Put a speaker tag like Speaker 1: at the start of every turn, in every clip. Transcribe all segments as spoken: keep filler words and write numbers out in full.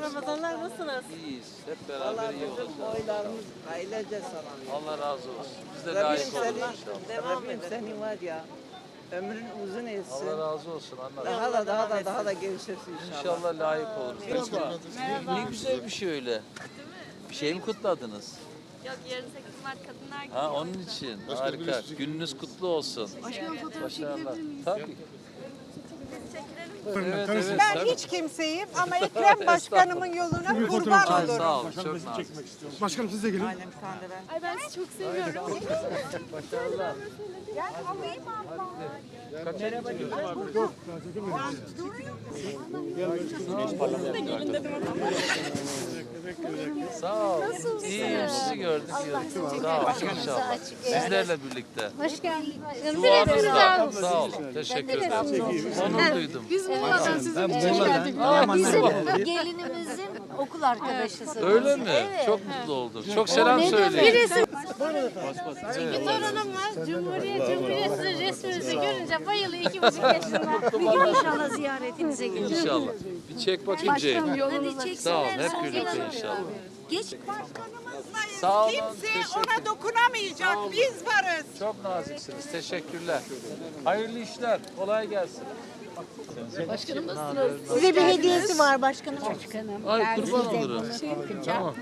Speaker 1: Ramazanlar, nasılsınız?
Speaker 2: İyiyiz. Hep beraber iyi olacağız.
Speaker 3: Oylarımız ailece sana.
Speaker 2: Allah razı olsun. Biz de
Speaker 3: Rabbim
Speaker 2: layık oluruz
Speaker 3: seni,
Speaker 2: inşallah.
Speaker 3: Rabbim seni var ya, ömrün uzun etsin.
Speaker 2: Allah razı olsun anne.
Speaker 3: Daha da daha da daha da gelişirsin inşallah.
Speaker 2: İnşallah layık oluruz. Merhaba. Ne güzel bir şey öyle. Bir şey mi kutladınız?
Speaker 4: Yok, yarın sekiz Mart Kadınlar Günü.
Speaker 2: Ha onun için. Harika. Gününüz kutlu olsun.
Speaker 4: Başkanım, fotoğraf
Speaker 2: Başarılar.
Speaker 4: çekilebilir miyiz?
Speaker 2: Tabii.
Speaker 4: Çekilelim mi?
Speaker 2: Evet, evet,
Speaker 5: Ben
Speaker 2: tabii.
Speaker 5: hiç kimseyim ama Ekrem Başkanımın yoluna kurban
Speaker 2: Ay,
Speaker 5: olurum.
Speaker 2: sağ olun. Çok nazik.
Speaker 6: Başkanım siz de gelin.
Speaker 5: Annem kandelen.
Speaker 4: Ay, ben sizi çok seviyorum.
Speaker 2: Başarılar.
Speaker 5: Gel alayım abla.
Speaker 2: Sağ ol. İyiyim. Sizi gördük. Sağ ol. İnşallah. Sizlerle birlikte.
Speaker 4: Hoş geldin.
Speaker 2: Duanız da. Sağ olun. Teşekkür ederim. Onur duydum.
Speaker 4: Biz Muğla'dan size hoş geldik. Bizim gelinimizin okul arkadaşısınız.
Speaker 2: Öyle mi? Çok mutlu oldum. Çok selam söyleyin.
Speaker 4: Çünkü torunumla Cumhuriyet Cumhuriyeti resminizi görünce bayılıyor, iki buçuk yaşında. Bir gün inşallah ziyaretinize gelir.
Speaker 2: İnşallah. Bir çek bakayım Ceyhun.
Speaker 4: Hadi çeksinler.
Speaker 2: Sağ ol. Hep birlikte inşallah.
Speaker 4: Geç.
Speaker 2: Sağ olun.
Speaker 5: Kimse
Speaker 2: Teşekkür-
Speaker 5: ona dokunamayacak. Biz varız.
Speaker 2: Çok naziksiniz. Teşekkürler. Hayırlı işler. Kolay gelsin.
Speaker 4: Size bir hediyesi var başkanım. Başkanım.
Speaker 2: Ay kurban olurum. Tamam.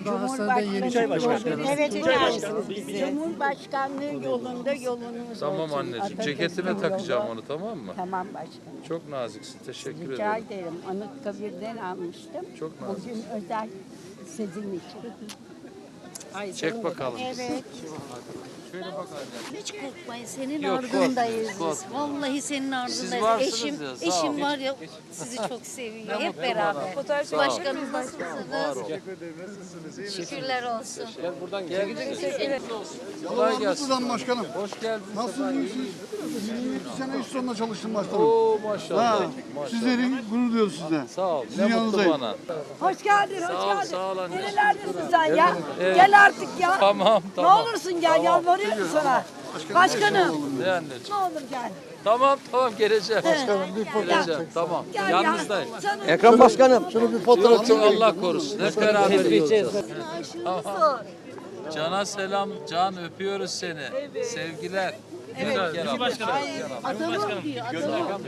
Speaker 7: Evet, çağırırsınız bizi. Cumhurbaşkanlığı yolunda yolunuz
Speaker 2: Tamam
Speaker 7: olsun.
Speaker 2: anneciğim.
Speaker 7: Atatürk'ün
Speaker 2: Ceketime
Speaker 7: yolu.
Speaker 2: takacağım onu, tamam mı?
Speaker 7: Tamam başkanım.
Speaker 2: Çok naziksin. Teşekkür
Speaker 7: Rica
Speaker 2: ederim.
Speaker 7: ederim. Anıtkabir'den almıştım.
Speaker 2: Çok nazik.
Speaker 7: Bugün özel sizin için.
Speaker 2: Çek bakalım.
Speaker 7: Evet.
Speaker 2: Şöyle bak anne.
Speaker 4: Hiç korkmayın, senin
Speaker 2: Yok,
Speaker 4: ardındayız
Speaker 2: korkma,
Speaker 4: biz. Vallahi senin ardındayız.
Speaker 2: varsınız
Speaker 4: Eşim,
Speaker 2: ya, sağ
Speaker 4: eşim
Speaker 2: ol.
Speaker 4: var ya, sizi çok seviyor. Hep
Speaker 2: mutlu
Speaker 4: beraber.
Speaker 2: bana. Sağ ol.
Speaker 4: Başkanım nasılsınız? Şükürler olsun.
Speaker 2: Gel. Kolay gelsin.
Speaker 6: Nasılsın başkanım?
Speaker 2: Hoş geldiniz.
Speaker 6: Nasılsınız siz? yirmi iki sene iş sonunda çalıştım başkanım.
Speaker 2: Oo maşallah.
Speaker 6: Ha,
Speaker 2: Maşallah.
Speaker 6: sizlerin gurur duyuyoruz size.
Speaker 2: Sağ ol.
Speaker 6: Sizin
Speaker 2: Ne mutlu
Speaker 6: yanınızdayım.
Speaker 2: bana.
Speaker 8: Hoş geldin, hoş
Speaker 2: Sağ ol,
Speaker 8: geldin.
Speaker 2: sağ ol anne.
Speaker 8: Nerelerdesin sen ya?
Speaker 2: Evet.
Speaker 8: Gel artık ya.
Speaker 2: Tamam,
Speaker 8: Ne
Speaker 2: tamam.
Speaker 8: olursun gel, yalvarıyorum sana. Başkanım,
Speaker 2: Ne anneciğim?
Speaker 8: ne olur gel.
Speaker 2: Tamam, tamam geleceğim. Geleceğim. Tamam.
Speaker 8: Gel
Speaker 2: Yanınızdayım.
Speaker 8: ya. Canım.
Speaker 6: Ekrem Başkanım. Şunu bir fotoğraf
Speaker 2: Çok çok Allah korusun. Hep beraber iyi olacağız. Tamam. Can'a selam. Can öpüyoruz seni. Sevgiler. Evet. Gel başkanım.
Speaker 4: Adamım diyor, adamım.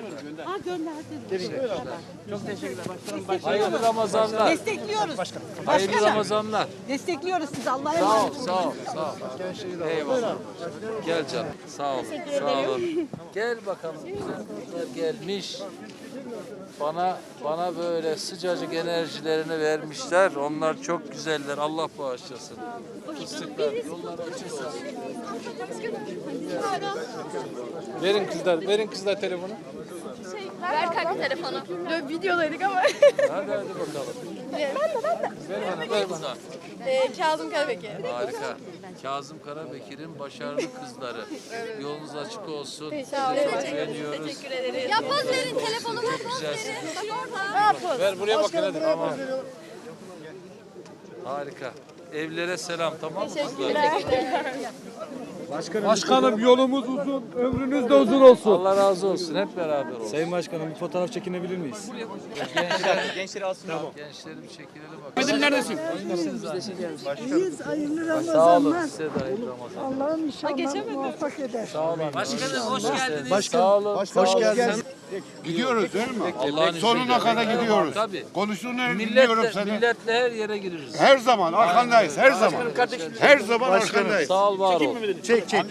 Speaker 2: Hayırlı Ramazanlar.
Speaker 5: Destekliyoruz.
Speaker 2: Hayırlı Ramazanlar.
Speaker 5: Destekliyoruz sizi. Allah'a
Speaker 2: Sağ ol,
Speaker 5: emanet.
Speaker 2: sağ ol, sağ ol. Eyvallah. Gel canım. Sağ ol. Sağ olun. Gel bakalım. Güzel kızlar gelmiş. Bana bana böyle sıcacık enerjilerini vermişler. Onlar çok güzeller. Allah bağışlasın. Fıstıklar. Yollar açılsın.
Speaker 6: Verin kızlar, verin kızlar telefonu.
Speaker 4: Ver kanka telefonu.
Speaker 8: Videodaydık ama.
Speaker 2: Hadi hadi bakalım.
Speaker 4: Ben de, ben de.
Speaker 2: Ver bana, ver bana.
Speaker 4: Ee, Kazım Karabekir.
Speaker 2: Harika. Kazım Karabekir'in başarılı kızları. Yolunuz açık olsun.
Speaker 4: Sağ olun.
Speaker 2: Sizi beğeniyoruz.
Speaker 4: Teşekkür ederiz. Ya poz verin, telefonuma poz
Speaker 2: Güzelsin.
Speaker 4: verin. Bak orada.
Speaker 6: Ver buraya bakın hadi.
Speaker 2: Tamam. Harika. Evlere selam, tamam mı kızlar?
Speaker 6: Başkanım yolumuz uzun, ömrünüz de uzun olsun.
Speaker 2: Allah razı olsun. Hep beraber olsun.
Speaker 6: Sayın Başkanım bir fotoğraf çekinebilir miyiz?
Speaker 2: Gençler, gençleri alsın. Tamam. Gençleri bir çekilelim bakalım.
Speaker 6: Bizim neredesin?
Speaker 8: İyiyiz, hayırlı
Speaker 2: Sağ olun.
Speaker 8: Ramazanlar.
Speaker 2: Size de hayırlı Ramazan.
Speaker 8: Allah'ım inşallah muvaffak eder.
Speaker 2: Sağ olun.
Speaker 9: Başkanım hoş geldiniz.
Speaker 2: Başkan, sağ olun.
Speaker 6: Hoş geldiniz.
Speaker 10: Gidiyoruz değil mi?
Speaker 2: Allah'ın
Speaker 10: Sonuna
Speaker 2: izniyle.
Speaker 10: kadar gidiyoruz.
Speaker 2: Tabii.
Speaker 10: Konuştuğunu dinliyorum
Speaker 2: Milletle,
Speaker 10: seni.
Speaker 2: milletle her yere gireriz.
Speaker 10: Her zaman arkandayız, her zaman. Her zaman arkandayız.
Speaker 2: Sağ ol, var ol.
Speaker 10: Çek çek.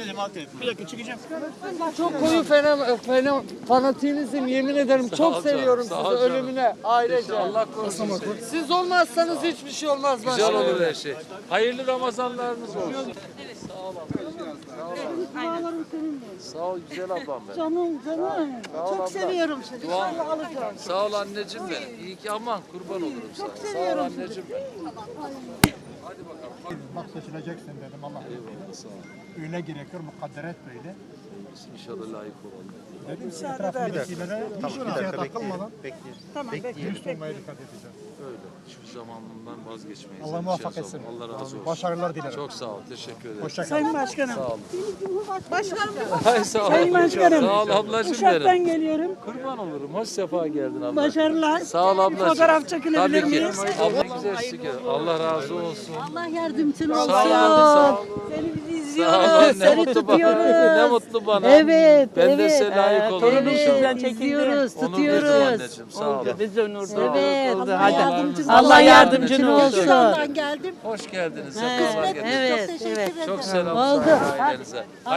Speaker 5: Çok koyu fena, fena, fanatizm yemin ederim.
Speaker 2: Sağ ol
Speaker 5: Çok
Speaker 2: canım,
Speaker 5: seviyorum
Speaker 2: sağ
Speaker 5: sizi
Speaker 2: ol canım.
Speaker 5: ölümüne ailece.
Speaker 2: Allah korusun.
Speaker 5: Siz olmazsanız hiçbir şey olmaz
Speaker 2: Güzel
Speaker 5: başkanım.
Speaker 2: olur her şey. Hayırlı Ramazanlarınız olsun. Sağ ol abla. Sağ ol güzel ablam benim.
Speaker 8: Canım, canım.
Speaker 2: Sağ ol
Speaker 8: Çok
Speaker 2: abla.
Speaker 8: seviyorum seni.
Speaker 2: Dua-
Speaker 8: İnşallah alacağım.
Speaker 2: Sağ ol anneciğim benim. İyi ki aman kurban olurum sana. Sağ ol anneciğim benim.
Speaker 6: Bak seçileceksin dedim Allah.
Speaker 2: Eyvallah sağ ol.
Speaker 6: Öyle gerekir mukadder et böyle.
Speaker 2: Biz inşallah layık olalım.
Speaker 8: Tamam, bekliyoruz.
Speaker 2: Öyle. Hiçbir zaman bundan vazgeçmeyiz.
Speaker 6: Allah muvaffak etsin.
Speaker 2: Allah razı olsun.
Speaker 6: Başarılar dilerim.
Speaker 2: Çok sağ ol. Teşekkür ederim.
Speaker 8: Sayın Başkanım.
Speaker 2: Sağ olun.
Speaker 8: Başkanım.
Speaker 2: Ay sağ ol.
Speaker 8: Sayın Başkanım.
Speaker 2: Sağ ol ablacığım
Speaker 8: Uşak'tan
Speaker 2: benim.
Speaker 8: geliyorum.
Speaker 2: Kurban olurum. Hoş sefa geldin abla.
Speaker 8: Başarılar.
Speaker 2: Sağ ol ablacığım.
Speaker 8: Fotoğraf çekinebilir
Speaker 2: Tabii ki.
Speaker 8: miyiz?
Speaker 2: Abla güzel şükür. Allah razı olsun.
Speaker 7: Allah yardımcın
Speaker 2: Sağ
Speaker 7: olsun.
Speaker 2: ol anne, sağ ol.
Speaker 8: Seni biz
Speaker 2: Sağ ol
Speaker 8: izliyoruz.
Speaker 2: anne. Ne
Speaker 7: Seni
Speaker 2: mutlu bana.
Speaker 7: tutuyoruz.
Speaker 2: Ne mutlu bana.
Speaker 7: Evet,
Speaker 2: Ben de
Speaker 7: evet.
Speaker 2: size layık olurum
Speaker 8: torunum
Speaker 2: inşallah.
Speaker 8: sizden
Speaker 7: Evet,
Speaker 8: çekindi.
Speaker 7: izliyoruz,
Speaker 2: Onur duydum
Speaker 7: tutuyoruz.
Speaker 2: anneciğim. Sağ ol.
Speaker 8: Biz onur duyduk.
Speaker 7: Evet.
Speaker 8: Oldu.
Speaker 7: Allah
Speaker 8: Hadi.
Speaker 7: yardımcın
Speaker 8: Allah yardımcın olsun.
Speaker 7: Şuradan geldim.
Speaker 2: Hoş geldiniz.
Speaker 7: Evet,
Speaker 2: Sefalar getirdiniz.
Speaker 7: evet,
Speaker 4: Teşekkür
Speaker 7: evet.
Speaker 4: ederim.
Speaker 2: Çok selam
Speaker 7: Oldu.
Speaker 2: saygı ailenize.